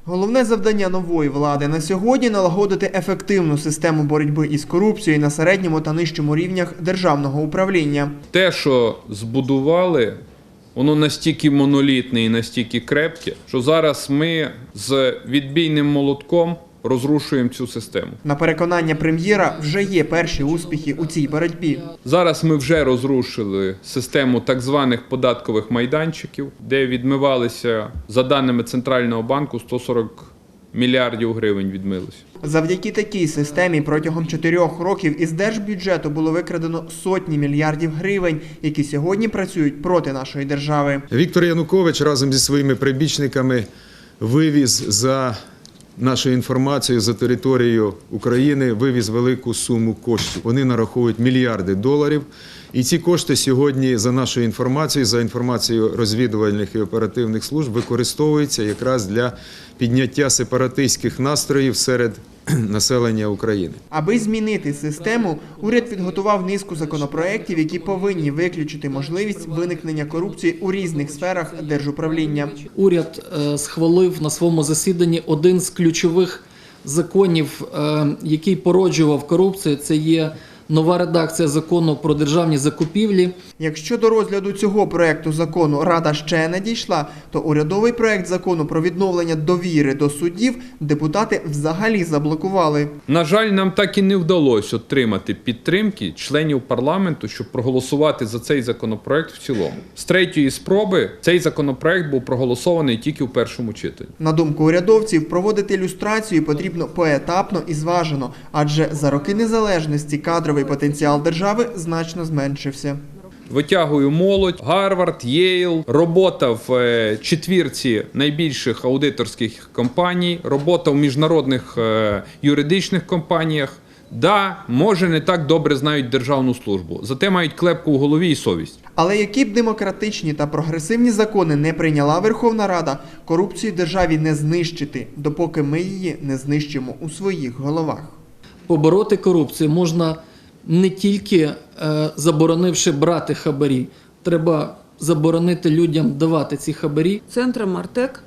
Головне завдання нової влади на сьогодні – налагодити ефективну систему боротьби із корупцією на середньому та нижчому рівнях державного управління. Те, що збудували, воно настільки монолітне і настільки крепке, що зараз ми з відбійним молотком розрушуємо цю систему. На переконання прем'єра, вже є перші успіхи у цій боротьбі. Зараз ми вже розрушили систему так званих податкових майданчиків, де відмивалися, за даними Центрального банку, 140 мільярдів гривень відмилося. Завдяки такій системі протягом 4 років із держбюджету було викрадено сотні мільярдів гривень, які сьогодні працюють проти нашої держави. Віктор Янукович разом зі своїми прибічниками вивіз за нашою інформацією за територію України, вивіз велику суму коштів. Вони нараховують мільярди доларів. І ці кошти сьогодні, за нашою інформацією, за інформацією розвідувальних і оперативних служб, використовуються якраз для підняття сепаратистських настроїв серед населення України. Аби змінити систему, уряд підготував низку законопроєктів, які повинні виключити можливість виникнення корупції у різних сферах держуправління. Уряд схвалив на своєму засіданні один з ключових законів, який породжував корупцію. Це є нова редакція закону про державні закупівлі. Якщо до розгляду цього проекту закону Рада ще не дійшла, то урядовий проект закону про відновлення довіри до суддів депутати взагалі заблокували. На жаль, нам так і не вдалося отримати підтримки членів парламенту, щоб проголосувати за цей законопроект в цілому. З 3-ї спроби цей законопроект був проголосований тільки в першому читанні. На думку урядовців, проводити люстрацію потрібно поетапно і зважено, адже за роки незалежності кадровий потенціал держави значно зменшився. Витягую молодь, Гарвард, Єйл, робота в четвірці найбільших аудиторських компаній, робота в міжнародних юридичних компаніях. Да, може, не так добре знають державну службу, зате мають клепку в голові і совість. Але які б демократичні та прогресивні закони не прийняла Верховна Рада, корупцію в державі не знищити, допоки ми її не знищимо у своїх головах. Побороти корупцію можна не тільки заборонивши брати хабарі, треба заборонити людям давати ці хабарі. Центром Артек